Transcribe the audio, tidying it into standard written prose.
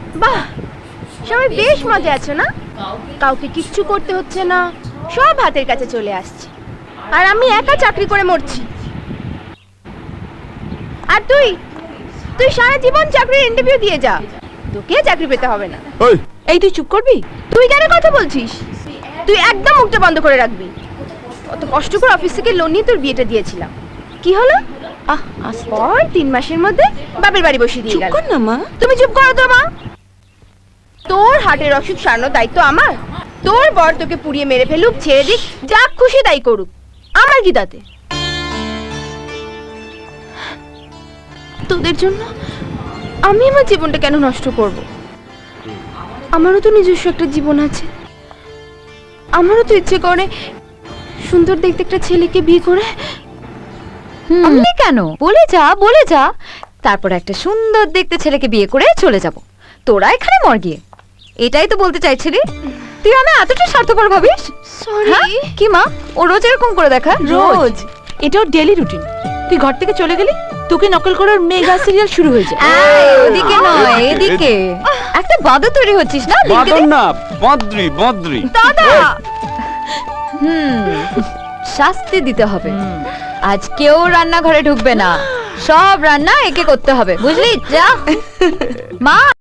বাহ, সবাই বেশ মজা আছে না? কাউকে কিচ্ছু করতে হচ্ছে না, সব হাতের কাছে চলে আসছে, আর আমি একা চাকরি করে মরছি। আর তুই তুই সারা জীবন চাকরির ইন্টারভিউ দিয়ে যা, তোকে চাকরি পেতে হবে না। এই তুই চুপ করবি? তুই কেন কথা বলছিস? তুই একদম মুখটা বন্ধ করে রাখবি। কত কষ্ট করে অফিস থেকে লোন নিয়ে তোর বিয়েটা দিয়েছিলাম, কি হলো? পর 3 মাসের মধ্যে বাপের বাড়ি বসিয়ে দিয়ে চুপ গেল। কর না মা। তুমি চুপ করো তো মা। তোর হার্টের অসুখ সারানোর দায়িত্ব আমার। তোর বর তোকে পুড়িয়ে মেরে ফেলুক, ছেড়ে দিক, যা খুশি তাই করুক, আমার কি তাতে? তোদের জন্য আমি আমার জীবনটা কেন নষ্ট করব? আমারও তো নিজস্ব একটা জীবন আছে। আমারও তো ইচ্ছে করে সুন্দর দেখতে একটা ছেলেকে বিয়ে করে। আমি কেন? বলে যা, তারপর একটা সুন্দর দেখতে ছেলেকে বিয়ে করে চলে যাব। তোরা এখানে মর গিয়ে, এটাই তো বলতে চাইছিলি? তুই আমি এতটা স্বার্থপর ভাবিস? সরি। কি মা, ও রোজ এরকম করে দেখা? রোজ এটা ওর ডেলি রুটিন। তুই ঘর থেকে চলে গেলি, তোকে নকল করে ওর মেগা সিরিয়াল শুরু হয়ে যায়। ওদিকে নয়, এদিকে একটা বাদর তৈরি হচ্ছিস না? বাদর না, বদ্রি। দাদা, শাস্তি দিতে হবে। আজ কেউ রান্নাঘরে ঢুকবে না, সব রান্না একে করতে হবে, বুঝলি? যা মা।